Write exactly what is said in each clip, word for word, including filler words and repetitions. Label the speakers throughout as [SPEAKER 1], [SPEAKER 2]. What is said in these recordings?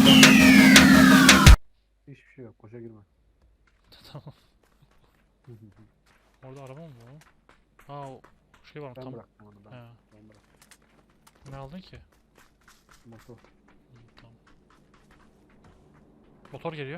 [SPEAKER 1] Hiçbir şey yok. Koşa girme.
[SPEAKER 2] Tamam. Orada araba mı var? Ha o şey var
[SPEAKER 1] Ben
[SPEAKER 2] tam.
[SPEAKER 1] bıraktım onu ben.
[SPEAKER 2] He.
[SPEAKER 1] Ben bıraktım.
[SPEAKER 2] Ne aldın ki?
[SPEAKER 1] Motor.
[SPEAKER 2] Hı, tamam. Motor geliyor.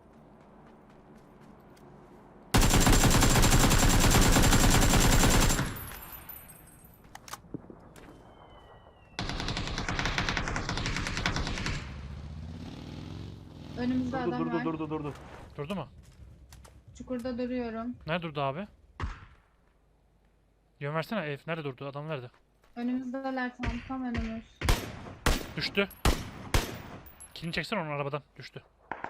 [SPEAKER 3] Önümüzde
[SPEAKER 1] Durdu
[SPEAKER 3] adam
[SPEAKER 1] durdu
[SPEAKER 3] var.
[SPEAKER 1] durdu durdu.
[SPEAKER 2] Durdu mu?
[SPEAKER 3] Çukurda duruyorum.
[SPEAKER 2] Nerede durdu abi? Yön versene ev. Nerede durdu? Adam nerede?
[SPEAKER 3] Önümüzdeler tam tam önümüz.
[SPEAKER 2] Düştü. Kilini çeksen onun arabadan. Düştü.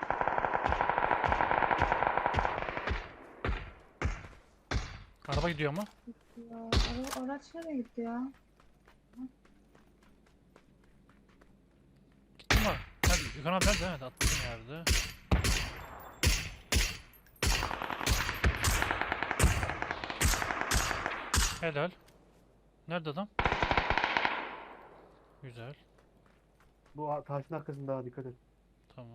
[SPEAKER 2] Araba gidiyor mu?
[SPEAKER 3] Ya, ara, araç nereye gitti ya?
[SPEAKER 2] Gitti mi? Hadi Gökhan abi nerede? Evet atladın yerde. Helal. Nerede adam? Güzel.
[SPEAKER 1] Bu a- taşın arkasında ha, dikkat et.
[SPEAKER 2] Tamam.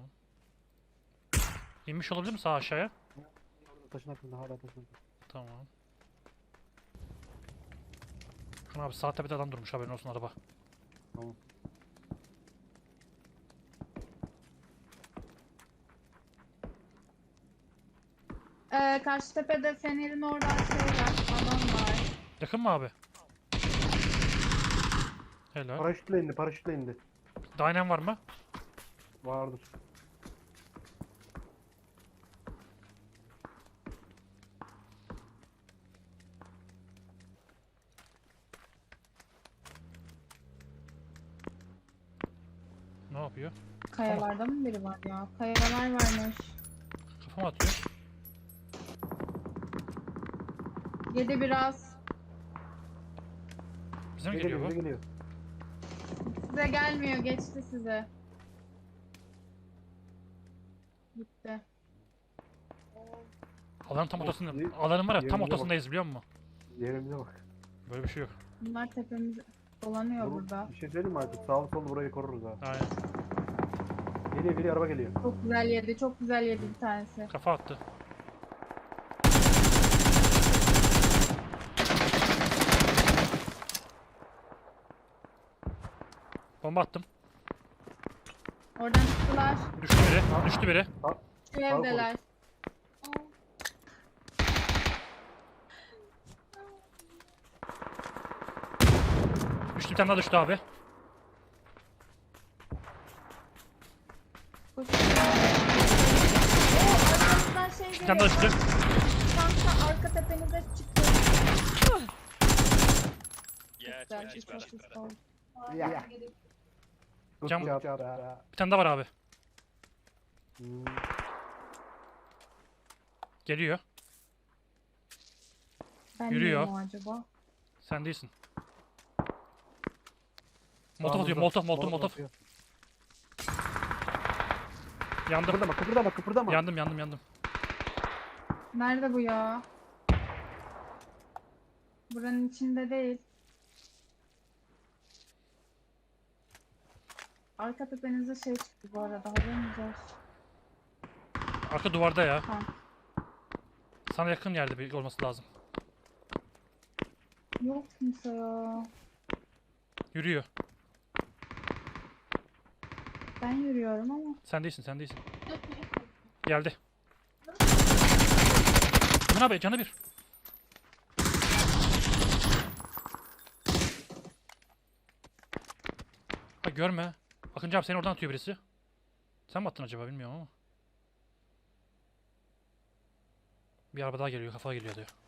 [SPEAKER 2] İnmiş olabilir mi sağ aşağıya?
[SPEAKER 1] Orada taşın arkasında hala taşın arkasında.
[SPEAKER 2] Tamam. Gökhan abi sağ tepede adam durmuş, haberin olsun, araba.
[SPEAKER 1] Tamam.
[SPEAKER 3] Ee, karşı tepede fenerin orada şey var. Adam var.
[SPEAKER 2] Yakın mı abi? Helal.
[SPEAKER 1] Paraşütle indi paraşütle indi.
[SPEAKER 2] Dynen var mı?
[SPEAKER 1] Vardır.
[SPEAKER 2] Ne yapıyor?
[SPEAKER 3] Kayalarda mı biri var ya? Kayalar varmış.
[SPEAKER 2] Kafama atıyor.
[SPEAKER 3] Yedi biraz.
[SPEAKER 2] Bize mi
[SPEAKER 1] Geliyor
[SPEAKER 2] geliyor
[SPEAKER 1] bize
[SPEAKER 2] bu?
[SPEAKER 1] geliyor.
[SPEAKER 3] Size gelmiyor. Geçti size. Gitti.
[SPEAKER 2] Alanın tam
[SPEAKER 1] Of,
[SPEAKER 2] ortasında.
[SPEAKER 1] ye-
[SPEAKER 2] Alanın var ya tam
[SPEAKER 1] yerimize bak.
[SPEAKER 2] ortasındayız, biliyor musun?
[SPEAKER 1] Yerimize bak.
[SPEAKER 2] Böyle bir şey yok.
[SPEAKER 3] Bunlar tepemiz dolanıyor
[SPEAKER 1] Vurur-
[SPEAKER 3] burada.
[SPEAKER 1] Bir şey söyleyeyim mi artık? Sağlı sollu burayı koruruz ha.
[SPEAKER 2] Aynen.
[SPEAKER 1] Geliyor geliyor araba geliyor.
[SPEAKER 3] Çok güzel yedi. Çok güzel yedi bir tanesi.
[SPEAKER 2] Kafa attı. Bomba attım.
[SPEAKER 3] Oradan çıktılar.
[SPEAKER 2] Düştü biri. Düştü biri.
[SPEAKER 3] Şu evdeler.
[SPEAKER 2] Düştü, bir tane daha düştü abi.
[SPEAKER 3] Koş. Oo, arkamızdan şey
[SPEAKER 2] Bir tane daha
[SPEAKER 3] geliyor.
[SPEAKER 2] düştü.
[SPEAKER 3] Kanka arka tepenize çıktı.
[SPEAKER 4] Yeah,
[SPEAKER 3] Güzel,
[SPEAKER 4] twenty's
[SPEAKER 3] çok
[SPEAKER 4] better.
[SPEAKER 3] güzel oldu.
[SPEAKER 1] Ya. Good
[SPEAKER 2] Cam-
[SPEAKER 1] job ya.
[SPEAKER 2] Bir tane daha var abi.
[SPEAKER 1] Hmm.
[SPEAKER 2] Geliyor.
[SPEAKER 3] Ben
[SPEAKER 2] Yürüyor.
[SPEAKER 3] miyim o acaba?
[SPEAKER 2] Sen değilsin. Molotov
[SPEAKER 1] Sağımızda.
[SPEAKER 2] atıyor. Molotov, molotov, molotov.
[SPEAKER 1] atıyor.
[SPEAKER 2] Yandım.
[SPEAKER 1] Kıpırdama kıpırdama kıpırdama.
[SPEAKER 2] Yandım, yandım, yandım.
[SPEAKER 3] Nerede bu ya? Buranın içinde değil. Arka tepenize şey çıktı bu arada, haberiniz olsun.
[SPEAKER 2] Arka duvarda ya.
[SPEAKER 3] Ha.
[SPEAKER 2] Sana yakın yerde bir olması lazım.
[SPEAKER 3] Yok kimse ya.
[SPEAKER 2] Yürüyor.
[SPEAKER 3] Ben yürüyorum ama.
[SPEAKER 2] Sen değilsin, sen değilsin. Geldi. Emin abi canı bir. Ha görme. Akıncı abi seni oradan atıyor birisi. Sen mi attın acaba, bilmiyorum ama. Bir araba daha geliyor, kafa geliyor diyor.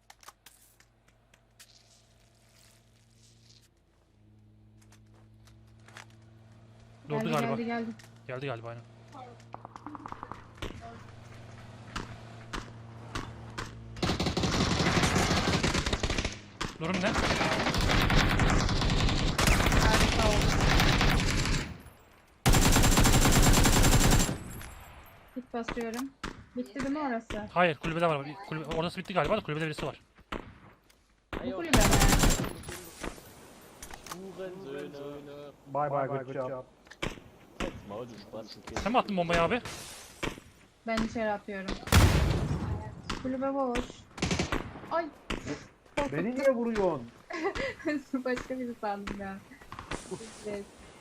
[SPEAKER 2] Durdu
[SPEAKER 3] Geldi
[SPEAKER 2] galiba.
[SPEAKER 3] geldi geldi.
[SPEAKER 2] Geldi galiba aynen. Durum ne?
[SPEAKER 3] Harika oldu. Hit basıyorum. Bitti değil mi orası?
[SPEAKER 2] Hayır, kulübede var. Bir Kulübe, orası bitti galiba da kulübede birisi var.
[SPEAKER 3] Bu kulübe mi?
[SPEAKER 4] Hurensöhne.
[SPEAKER 1] Bye bye good job.
[SPEAKER 2] Sen mi attın bombayı abi?
[SPEAKER 3] Ben içeri atıyorum. Kulübe boş. Ay.
[SPEAKER 1] Beni niye vuruyorsun?
[SPEAKER 3] Başka biri sandım ya. Evet.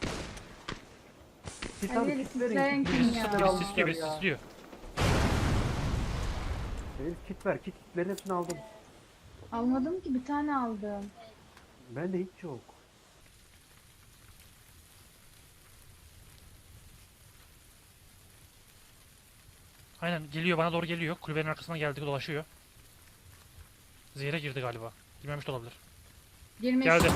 [SPEAKER 1] Kit
[SPEAKER 3] Hadi
[SPEAKER 1] abi,
[SPEAKER 3] yürü,
[SPEAKER 1] kit verin,
[SPEAKER 3] titreyen
[SPEAKER 1] kit
[SPEAKER 3] kim
[SPEAKER 1] verin.
[SPEAKER 3] ya?
[SPEAKER 1] Kitleri
[SPEAKER 2] Birisi
[SPEAKER 1] almışlar
[SPEAKER 2] sisliyor, birisi
[SPEAKER 1] ya.
[SPEAKER 2] sisliyor.
[SPEAKER 1] Elif kit ver, kit kitlerin hepsini aldım.
[SPEAKER 3] Almadım ki, bir tane aldım.
[SPEAKER 1] Bende hiç yok.
[SPEAKER 2] Aynen geliyor, bana doğru geliyor. Kulübenin arkasından geldi, dolaşıyor. Zehre girdi galiba. Girmemiş de olabilir.
[SPEAKER 3] Girmiş.
[SPEAKER 2] Geldi.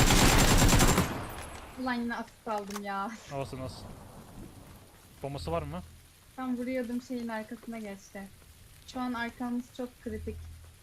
[SPEAKER 3] Ulan yine asist aldım ya.
[SPEAKER 2] Havası nasıl? Bombası var mı?
[SPEAKER 3] Tam vuruyordum, şeyin arkasına geçti. Şu an arkamız çok kritik.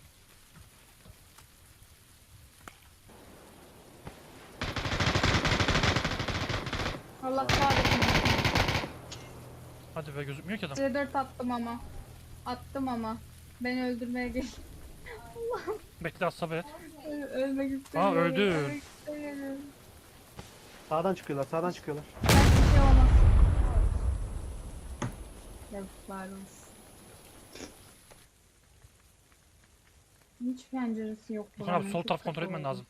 [SPEAKER 3] Allah kahretsin.
[SPEAKER 2] Hadi be, gözükmüyor ki adam.
[SPEAKER 3] C dört attım ama. Attım ama. Beni öldürmeye gel.
[SPEAKER 2] Bekle, az sabret.
[SPEAKER 3] Ö- Ölmek istemiyorum.
[SPEAKER 2] öldü.
[SPEAKER 3] Ölmek istemiyorum.
[SPEAKER 1] Sağdan çıkıyorlar, sağdan çıkıyorlar.
[SPEAKER 3] Belki bir şey olmaz. Yazıklar olsun. Hiç penceresi yok.
[SPEAKER 2] Bakın abi,
[SPEAKER 3] buranın,
[SPEAKER 2] sol
[SPEAKER 3] çok
[SPEAKER 2] taraf
[SPEAKER 3] kötü
[SPEAKER 2] kontrol etmen
[SPEAKER 3] oldu.
[SPEAKER 2] lazım.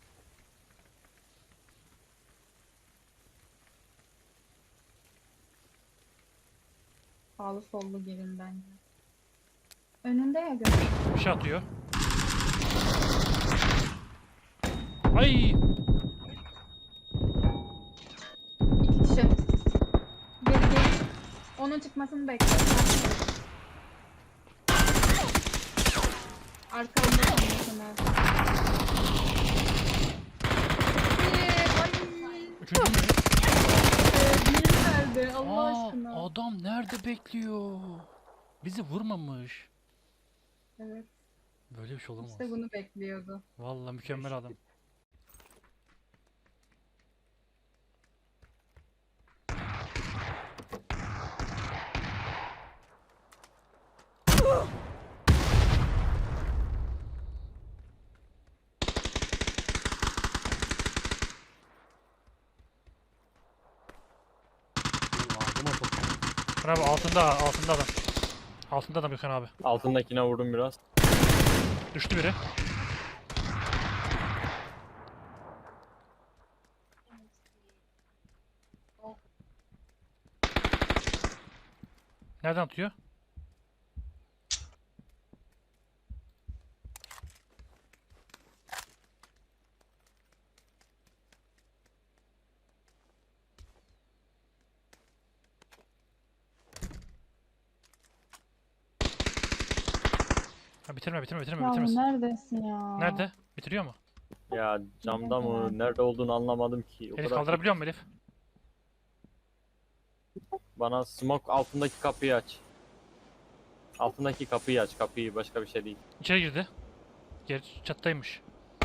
[SPEAKER 3] Sağlı sollu gelin bence. Önünde ya gör.
[SPEAKER 2] Bir şey atıyor. Ay!
[SPEAKER 3] İki kişi. Geri geri. Onun çıkmasını bekle. Arkamda kalmasın ha. Ay.
[SPEAKER 2] Üçüncü mü?
[SPEAKER 3] Diğeri nerede? Allah
[SPEAKER 2] Aa,
[SPEAKER 3] aşkına.
[SPEAKER 2] adam nerede bekliyor? Bizi vurmamış.
[SPEAKER 3] Evet.
[SPEAKER 2] Böyle bir şey olamaz.
[SPEAKER 3] İşte bunu bekliyordu.
[SPEAKER 2] Vallahi mükemmel adam.
[SPEAKER 1] Ağzıma soktum.
[SPEAKER 2] Gökhan abi altında, altında adam. Altında adam Gökhan abi.
[SPEAKER 4] Altındakine vurdum biraz.
[SPEAKER 2] Düştü biri. Nereden atıyor? Ha, bitirme bitirme bitirme
[SPEAKER 3] Ya
[SPEAKER 2] bitirmesin.
[SPEAKER 3] neredesin ya?
[SPEAKER 2] Nerede? Bitiriyor mu?
[SPEAKER 4] Ya camda mı? Nerede olduğunu anlamadım ki. O
[SPEAKER 2] Elif
[SPEAKER 4] kadar
[SPEAKER 2] kaldırabiliyor mu Elif?
[SPEAKER 4] bana smoke altındaki kapıyı aç. Altındaki kapıyı aç. Kapıyı, başka bir şey değil.
[SPEAKER 2] İçeri girdi. Geri çattaymış.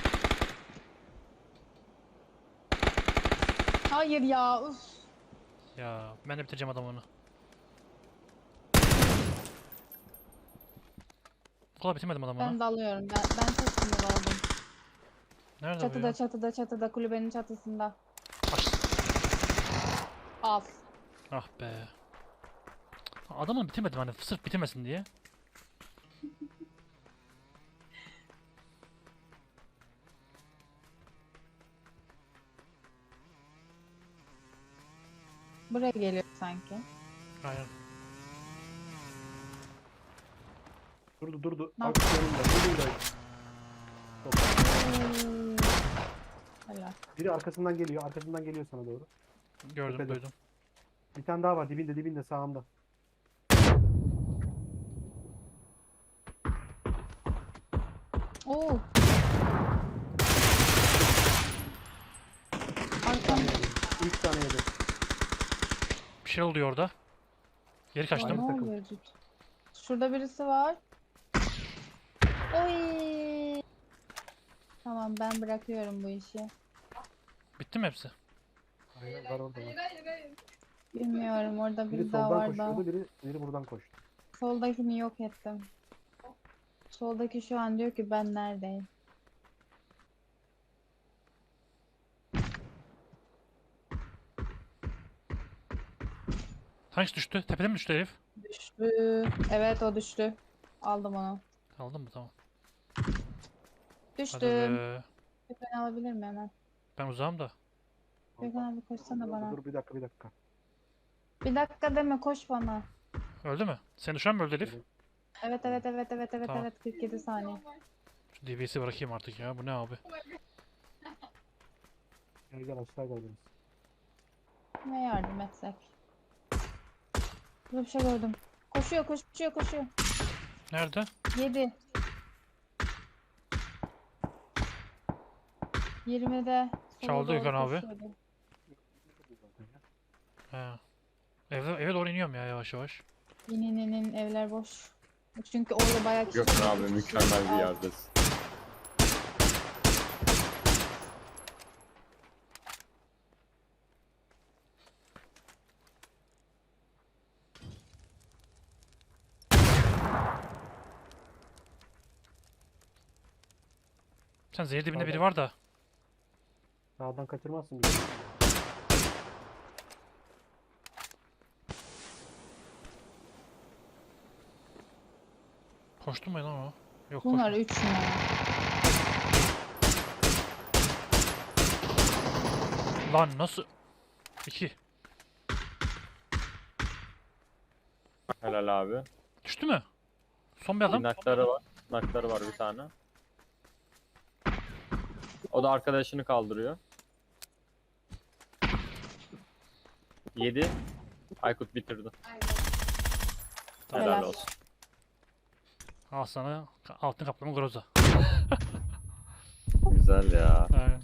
[SPEAKER 3] Hayır ya. Uf.
[SPEAKER 2] Ya ben de bitireceğim adamı onu. Bu kadar bitirmedim adamı
[SPEAKER 3] Ben
[SPEAKER 2] onu.
[SPEAKER 3] dalıyorum. Ben, ben çok sinir oldum.
[SPEAKER 2] Nerede bu
[SPEAKER 3] Çatıda
[SPEAKER 2] ya?
[SPEAKER 3] çatıda çatıda kulübenin çatısında.
[SPEAKER 2] Aç.
[SPEAKER 3] Al.
[SPEAKER 2] Ah be. Adamı bitirmedim hani sırf bitirmesin diye.
[SPEAKER 3] Buraya geliyor sanki.
[SPEAKER 2] Aynen.
[SPEAKER 1] Durdu durdu.
[SPEAKER 3] Ne
[SPEAKER 1] Bak yanımda, yanımda. Çok.
[SPEAKER 3] Hmm. Helal.
[SPEAKER 1] Biri arkasından geliyor, arkasından geliyor sana doğru.
[SPEAKER 2] Gördüm,
[SPEAKER 1] Tepede.
[SPEAKER 2] duydum.
[SPEAKER 1] Bir tane daha var, dibinde dibinde sağımda.
[SPEAKER 3] Oo.
[SPEAKER 1] Üç
[SPEAKER 3] Arkam.
[SPEAKER 1] tane yedi. Üç tane yedi.
[SPEAKER 2] Bir şey oluyor orada. Geri
[SPEAKER 3] Ay,
[SPEAKER 2] kaçtım.
[SPEAKER 3] ne
[SPEAKER 1] takım.
[SPEAKER 3] oluyor cidden? Şurada birisi var. Oy. Tamam, ben bırakıyorum bu işi.
[SPEAKER 2] Bitti mi hepsi?
[SPEAKER 1] Aynen var orada. Var.
[SPEAKER 3] Bilmiyorum, orada
[SPEAKER 1] Biri
[SPEAKER 3] biri daha
[SPEAKER 1] soldan
[SPEAKER 3] var da.
[SPEAKER 1] koşuyordu, biri, biri buradan koştu.
[SPEAKER 3] Soldakini yok ettim. Soldaki şu an diyor ki ben neredeyim?
[SPEAKER 2] Hangisi düştü? Tepeden mi düştü herif?
[SPEAKER 3] Düştü. Evet o düştü. Aldım onu.
[SPEAKER 2] Aldın mı? Tamam. Hadi
[SPEAKER 3] Düştüm.
[SPEAKER 2] be.
[SPEAKER 3] Ben alabilir miyim hemen?
[SPEAKER 2] Ben uzağım da.
[SPEAKER 3] Gökhan abi koşsana bana.
[SPEAKER 1] Dur bir dakika bir dakika.
[SPEAKER 3] Bir dakika deme koş bana.
[SPEAKER 2] Öldü mü? Seni düşen mi öldü herif?
[SPEAKER 3] Evet evet evet evet evet
[SPEAKER 2] Tamam.
[SPEAKER 3] evet kırk yedi saniye.
[SPEAKER 2] Şu D B S'yi bırakayım artık ya. Bu ne abi?
[SPEAKER 1] Gel gel aşağı gel biraz.
[SPEAKER 3] Ne yardım etsek? Burada bir şey gördüm. Koşuyor koşuyor koşuyor.
[SPEAKER 2] Nerede?
[SPEAKER 3] yedi. yirmide. sola
[SPEAKER 2] Çaldı
[SPEAKER 3] doğru
[SPEAKER 2] Gökhan abi.
[SPEAKER 3] koşuyordu.
[SPEAKER 2] He. Eve, eve doğru iniyorum ya yavaş yavaş.
[SPEAKER 3] İn in in in, evler boş. Çünkü orada bayağı kişi.
[SPEAKER 4] Gökhan abi
[SPEAKER 3] kişi-
[SPEAKER 4] mükemmel bir
[SPEAKER 3] Al.
[SPEAKER 4] yerdesin.
[SPEAKER 2] Sen zehir dibinde biri
[SPEAKER 1] Sağdan.
[SPEAKER 2] var da.
[SPEAKER 1] Sağdan kaçırmazsın bizi.
[SPEAKER 2] Koştu mu lan o? Yok
[SPEAKER 3] Bunlar
[SPEAKER 2] koşmadı.
[SPEAKER 3] üç numara.
[SPEAKER 2] Lan nasıl? İki.
[SPEAKER 4] Helal abi.
[SPEAKER 2] Düştü mü? Son bir adam.
[SPEAKER 4] Nakları var. Nakları var bir tane. O da arkadaşını kaldırıyor. Yedi. Aykut bitirdi. Helal
[SPEAKER 3] Helal.
[SPEAKER 4] olsun.
[SPEAKER 2] Al sana altın kaplama groza.
[SPEAKER 4] Güzel ya.
[SPEAKER 2] Aynen.